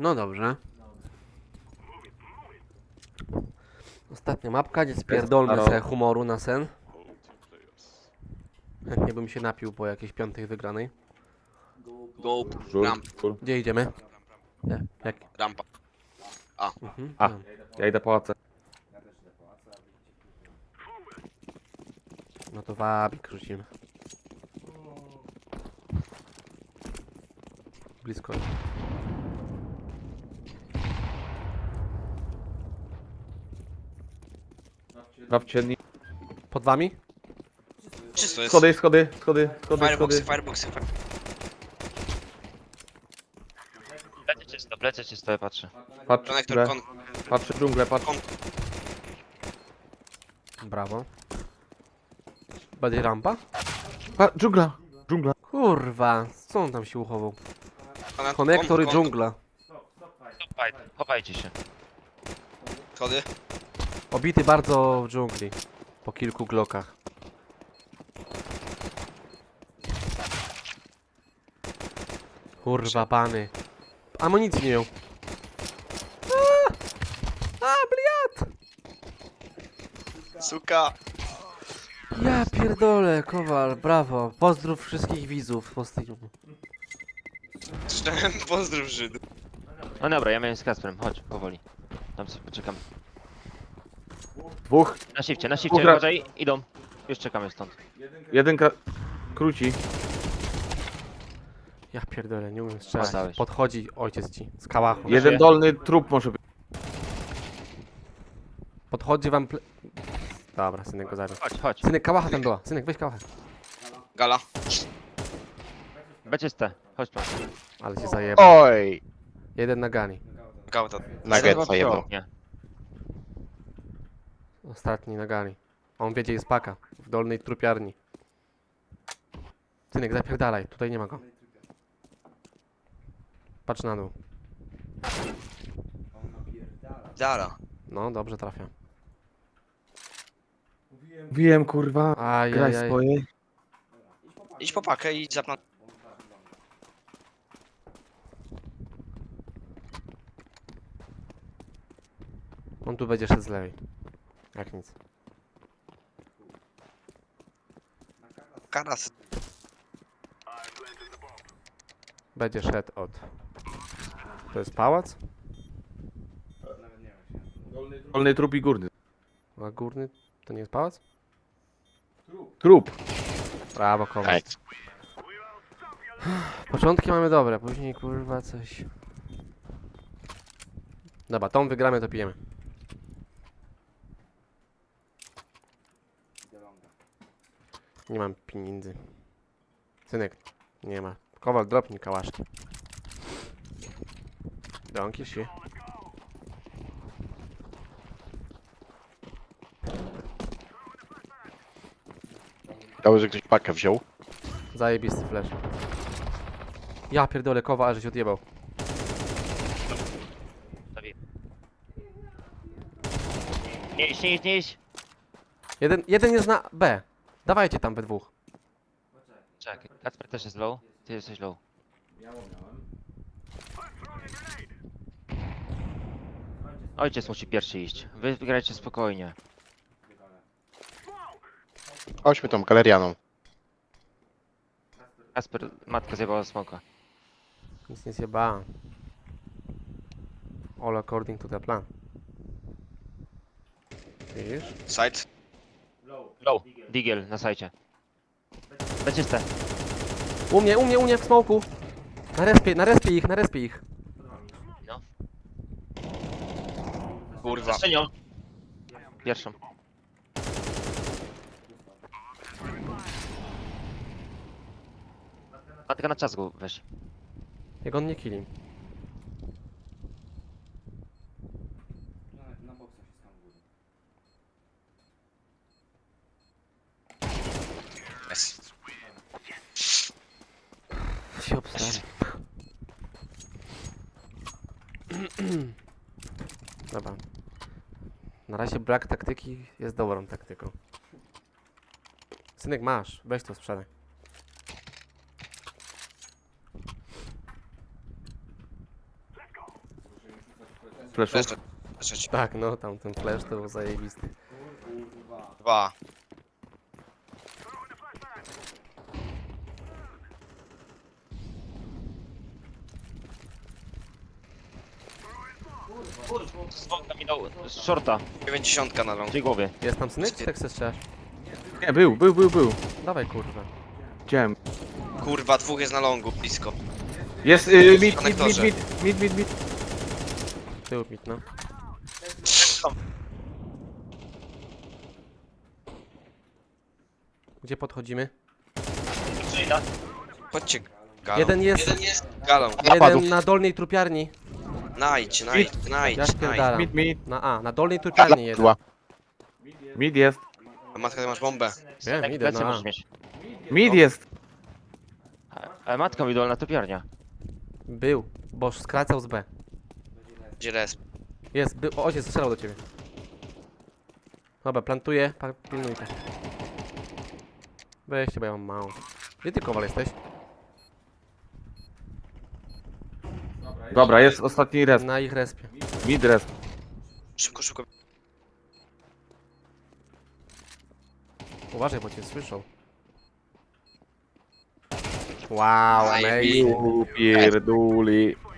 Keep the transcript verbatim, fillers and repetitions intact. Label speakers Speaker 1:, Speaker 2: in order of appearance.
Speaker 1: No dobrze. Ostatnia mapka, gdzie spierdolmy
Speaker 2: Halo.
Speaker 1: sobie humoru na sen. Chętnie bym się napił po jakiejś piątej wygranej.
Speaker 3: Go,
Speaker 2: Żur.
Speaker 3: ramp,
Speaker 1: Gdzie idziemy? Nie, jak?
Speaker 3: rampa.
Speaker 1: Mhm.
Speaker 2: A.
Speaker 1: no.
Speaker 2: Ja idę pałacę.
Speaker 1: No to wabik rzucimy. Blisko.
Speaker 2: Dwa w ciemni.
Speaker 1: Pod wami?
Speaker 3: Czysto jest.
Speaker 2: Schody, schody, schody, schody,
Speaker 3: Fireboxy,
Speaker 2: schody.
Speaker 3: fireboxy, fire...
Speaker 4: Plecy czysto, plecy czysto, ja patrzę.
Speaker 2: Patrzę
Speaker 3: Konektor,
Speaker 2: dżunglę,
Speaker 3: kon...
Speaker 2: patrzę dżunglę, patrzę.
Speaker 1: Brawo. Będzie rampa?
Speaker 2: Pa, dżungla, dżungla.
Speaker 1: Kurwa, co on tam się uchował?
Speaker 3: kon-
Speaker 1: Konektor i
Speaker 3: kon-
Speaker 1: dżungla.
Speaker 4: Chowaj, chowajcie się.
Speaker 3: Schody.
Speaker 1: Obity bardzo w dżungli. Po kilku glokach. Kurwa, pany. Amunicji nie miał. A, a bliat!
Speaker 3: Suka.
Speaker 1: Ja pierdolę, Kowal, brawo. Pozdrów wszystkich widzów po streamu.
Speaker 3: Czytałem pozdrów Żyd.
Speaker 4: No dobra, ja miałem z Kasprem, chodź, powoli. Tam sobie poczekam.
Speaker 2: Dwóch,
Speaker 4: Na shifcie, na shifcie,
Speaker 2: Dobra.
Speaker 4: uważaj, idą. Już czekamy stąd.
Speaker 2: jeden kra... króci.
Speaker 1: Ja pierdolę, nie umiem strzelać.
Speaker 4: Dostałeś.
Speaker 1: Podchodzi ojciec ci z kałachu.
Speaker 4: Je-
Speaker 2: Jeden dolny trup może być.
Speaker 1: Podchodzi wam ple... Dobra, synek go zabił.
Speaker 4: Chodź, chodź.
Speaker 1: Synek, kałacha tam była. Synek, weź kałachę.
Speaker 3: Gala.
Speaker 4: Beczyste, chodź tu.
Speaker 1: Ale się zajebał.
Speaker 5: Oj!
Speaker 1: Jeden na gani.
Speaker 3: Gałta.
Speaker 5: Nuggetsa jedno.
Speaker 4: Nie.
Speaker 1: Ostatni na gali. On wiedzie jest paka. W dolnej trupiarni. Synek, zapierdalaj. Tutaj nie ma go. Patrz na dół.
Speaker 3: Dara.
Speaker 1: No, dobrze trafia.
Speaker 2: Wiem, kurwa. Graj
Speaker 1: Ajajaj.
Speaker 2: swoje.
Speaker 3: Idź po pakę i zapnąć.
Speaker 1: On tu będzie szedł z lewej. Jak nic.
Speaker 3: Karas.
Speaker 1: Będzie szedł od... To jest pałac?
Speaker 2: Dolny trup i górny.
Speaker 1: A górny to nie jest pałac?
Speaker 2: Trup.
Speaker 1: Brawo, Kowal.
Speaker 5: Ej,
Speaker 1: Początki mamy dobre, później kurwa coś... Dobra, tą wygramy, to pijemy. Nie mam pieniędzy. Synek, nie ma. Kowal, dropnij kałaszki. Donki się.
Speaker 5: dało, że ktoś pakę wziął.
Speaker 1: Zajebisty flash. Ja pierdolę, Kowal, ale żeś odjebał.
Speaker 4: Zabiję. Nie iść, nie iść, nie iść.
Speaker 1: Jeden, jeden jest na B. Dawajcie tam we dwóch.
Speaker 4: Czekaj, Kacper też jest low, ty jesteś low. Ojciec musi pierwszy iść. Wy wygrajcie spokojnie.
Speaker 5: Chodźmy tą galerianą.
Speaker 4: Kasper, matka zjebała smoka.
Speaker 1: Nic nie zjebałem. All according to the plan. Widzisz?
Speaker 3: Side.
Speaker 4: Low, Digiel na sajcie. Beczyste.
Speaker 1: U mnie, u mnie, u mnie w smoku. Na respie, na respie ich, na respie ich.
Speaker 4: No.
Speaker 3: Kurwa.
Speaker 4: Strzenią. Pierwszą. Matka na czas go weź.
Speaker 1: Jak on nie killi.
Speaker 3: Jest.
Speaker 1: Się obstałem. Dobra. Na razie brak taktyki jest dobrą taktyką. Synek, masz. Weź to sprzedaj.
Speaker 2: Fleszów.
Speaker 3: Jeszcze. Jeszcze ci.
Speaker 1: Tak, no tam ten flash to był zajebisty.
Speaker 3: Dwa.
Speaker 4: Dzwonka mi dał z shorta,
Speaker 3: dziewięćdziesiąt na long.
Speaker 4: w tej głowie.
Speaker 1: Jest tam smycz, czy jak chcesz strzelać?
Speaker 2: Nie, był, był, był, był.
Speaker 1: Dawaj kurwa.
Speaker 2: Widziałem.
Speaker 3: Kurwa, dwóch jest na longu, blisko.
Speaker 2: Jest, y, mid, mid, mid,
Speaker 3: Konektorze.
Speaker 2: mid, mid, mid, mid.
Speaker 1: Tył mit, no. Gdzie podchodzimy?
Speaker 3: Chodźcie. Galą.
Speaker 1: Jeden jest,
Speaker 3: Jeden jest galą.
Speaker 1: jeden
Speaker 5: Napadów.
Speaker 1: na dolnej trupiarni.
Speaker 3: Najdź, najdź, najdź,
Speaker 1: Ja
Speaker 3: najdź.
Speaker 1: spierdalam.
Speaker 2: Mid, mid.
Speaker 1: Na A, na dolnej
Speaker 5: Gala
Speaker 1: trupiarni jeden.
Speaker 5: padła.
Speaker 2: Mid jest.
Speaker 3: A matka, ty masz bombę.
Speaker 1: Wiem,
Speaker 4: Tak,
Speaker 1: idę
Speaker 4: plecy
Speaker 1: na A.
Speaker 4: możesz mieć.
Speaker 2: Mid jest.
Speaker 4: Ale matka mi dolna topiarnia.
Speaker 1: Był, bo skracał z B.
Speaker 3: Gdzie resp?
Speaker 1: Jest, był, o, ojciec strzelał do ciebie. Dobra, plantuję, pa- pilnuj to. Weźcie, bo ja mam mało. Gdzie ty, Kowal, jesteś?
Speaker 2: Dobra, jest ostatni res.
Speaker 1: Na ich respie.
Speaker 2: Mid res.
Speaker 3: Szybko, szybko.
Speaker 1: Uważaj, bo cię słyszą. Wow,
Speaker 3: Zajebiście.
Speaker 1: amazing.
Speaker 2: Pierduli.